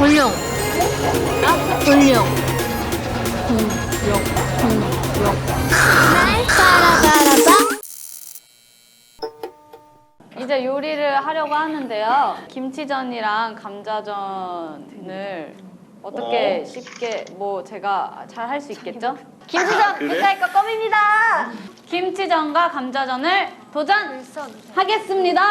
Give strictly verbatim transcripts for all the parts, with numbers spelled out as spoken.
불룡. 불룡. 불룡. 불룡. 날 따라가라봐. 이제 요리를 하려고 하는데요. 김치전이랑 감자전을 어떻게 어? 쉽게 뭐 제가 잘 할 수 있겠죠? 김치전 그래? 빛깔 껌입니다. 김치전과 감자전을 도전하겠습니다.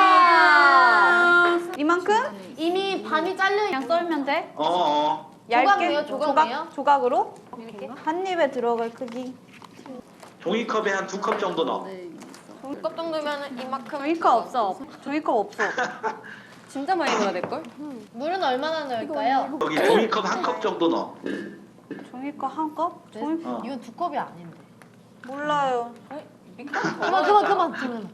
이만큼? 이미 반이 잘려 그냥 썰면 돼? 어, 어. 조각이에요? 조각이에요? 조각, 조각으로? 한 입에 들어갈 크기. 종이컵에 한 두 컵 정도 넣어. 컵 정도면 이만큼. 종이컵 없어. 종이컵 없어. 진짜 많이 넣어야 될걸? 물은 얼마나 넣을까요? 여기 종이컵 한 컵 정도 넣어. 종이컵 한 컵? 종이... 어. 이건 두 컵이 아닌데. 몰라요. 그만 그만 그만 그만.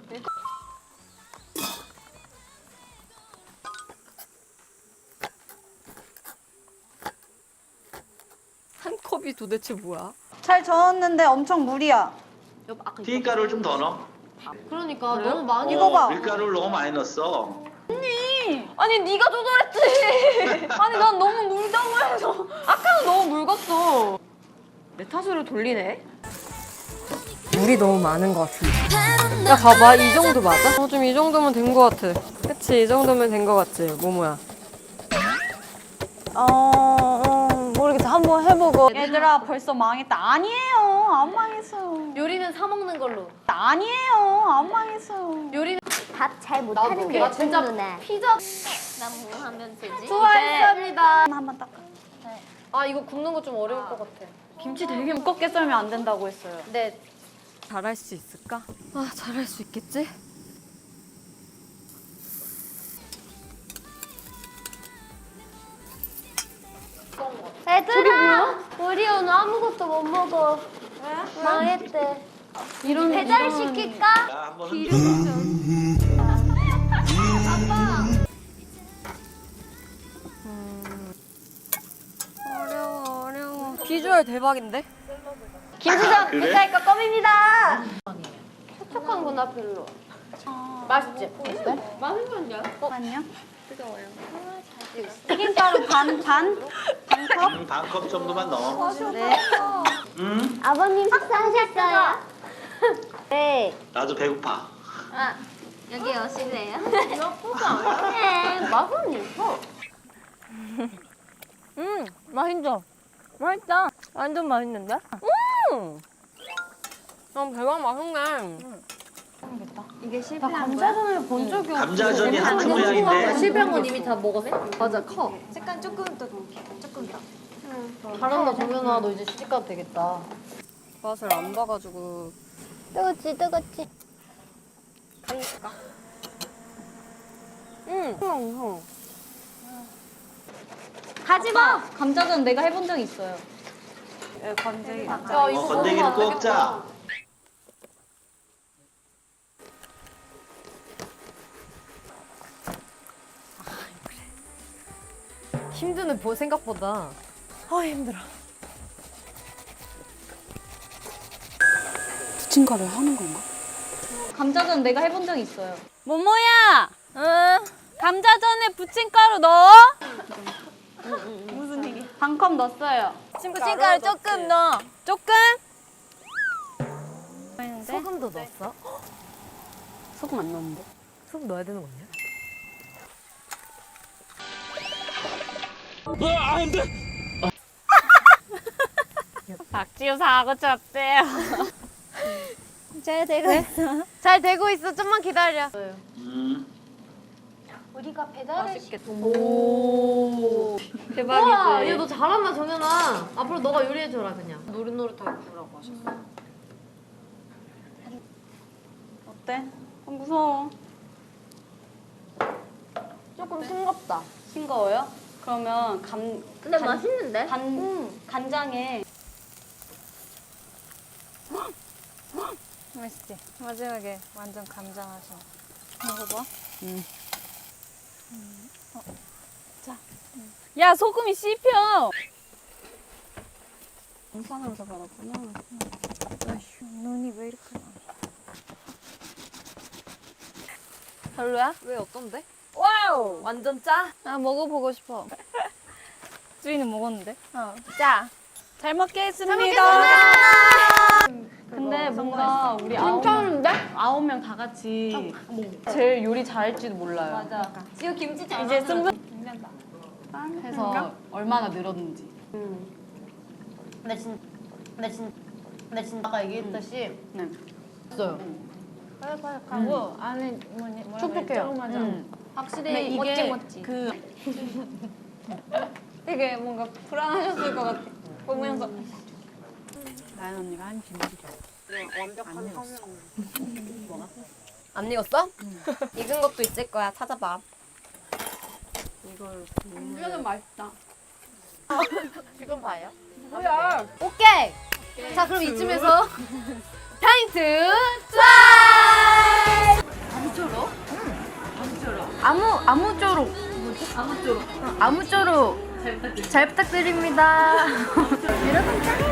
한 컵이 도대체 뭐야? 잘 저었는데 엄청 무리야. 튀김가루를 좀 더 넣어. 그러니까 너무 많이. 이거 봐. 어, 밀가루를 너무 많이 넣었어. 아니 네가 조절했지. 아니 난 너무 물다고 해서 아까는 너무 묽었어. 내 탓으로 돌리네. 물이 너무 많은 것 같은데. 야 봐봐 이 정도 맞아? 어, 좀 이 정도면 된 것 같아. 그치 이 정도면 된 것 같지 모모야. 어, 어 모르겠어 한번 해보고. 얘들아 벌써 망했다. 아니에요. 안 망했어요. 요리는 사 먹는 걸로. 아니에요. 안 망했어요. 요리는 밥 잘 못하는데 나 진짜 누나. 피자. 난 뭐 하면 되지? 수고하셨습니다. 한번 닦아. 아 이거 굽는 거 좀 어려울 것 같아. 김치 되게 두껍게 썰면 안 된다고 했어요. 네. 잘할 수 있을까? 아 잘할 수 있겠지? 얘들아, 우리 오늘 아무것도 못 먹어. 망했대. 이런 배달 이런- 시킬까? 야, 한번 흔들어. 어려워 어려워. 비주얼 대박인데? 김치전 그래? 빛깔 껌입니다. 촉촉한구나 별로. 맛있지? 아니요. 뜨거워요. 튀김가루 반 반? 반 컵? 음, 반컵 정도만 넣어. 네. 음, 아버님 식사하셨어요? 네. 나도 배고파. 아, 여기 오실래요? 나쁘지 않아. 네. 맛은 있어. 음 맛있어. 맛있다. 완전 맛있는데? 음. 난 대박 맛있네. 이게 나 실패한 거야? 감자전을 본 적이 없어. 감자전이 하트 모양인데. 실패한 건 이미 다 먹었어? 맞아 커. 색깔 조금 더 조금 더. 잘한다 정연아 너 이제 시집가도 되겠다. 맛을 안 봐가지고. 뜨겁지 뜨겁지. 가니까. 응. 응. 가지 마. 감자전 내가 해본 적 있어요. 예, 건더기. 야 어, 이거 건더기를 먹으면 안 꼭 짜. 되겠다. 힘드네 보 생각보다. 아 힘들어. 부침가루 하는 건가? 감자전 내가 해본 적 있어요. 모모야. 응. 감자전에 부침가루 넣어. 무슨 일이? 반 컵 넣었어요. 부침가루 조금 넣어. 조금? 소금도 넣었어? 소금 안 넣었는데. 소금 넣어야 되는 거 아니야? 박지우 사고 쳤대요. 잘 되고 있어. 잘 되고 있어. 좀만 기다려. 음, 우리가 배달을 맛있겠다. 오. 와, 대박이지. 야, 너 잘한다, 정연아. 앞으로 너가 요리해줘라, 그냥. 노릇노릇하게 구우라고 하셨어. 어때? 어, 무서워. 조금 싱겁다. 싱거워요? 그러면 감 근데 간- 맛있는데? 간 간장에 맛있지? 마지막에 완전 감장하셔. 먹어봐. 야 소금이 씹혀. 영상으로 잡아놨구나. 눈이 왜 이렇게 나? 별로야? 왜 어떤데? 와우. 완전 짜? 나 먹어보고 싶어. 주인은 먹었는데? 어. 자, 잘 먹겠습니다. 근데 뭔가 우리 아홉 괜찮은데? 아홉 명 다 같이 제일 요리 잘할지도 몰라요. 맞아. 지금 김치 잘 이제 만들었어. 승부 해서 얼마나 늘었는지. 근데 진, 근데 진, 근데 진 아까 얘기했듯이 네. 있어요. 바삭바삭하고 안에 뭐니 뭐라 촉촉해요. 맞아. 음. 확실히 이게 멋지, 멋지. 그 되게 뭔가 불안하셨을 것 같아. 보면서 나연 언니가 한 비밀이야. 안 익었어? 익은 것도 있을 거야. 찾아봐. 이거는 맛있다. 이건 봐요. 뭐야? 오케이. 자 그럼 이쯤에서 타임트 아무 아무쪼록 뭐지? 아무쪼록 아무쪼록 잘 부탁드립니다. 여러분 짠!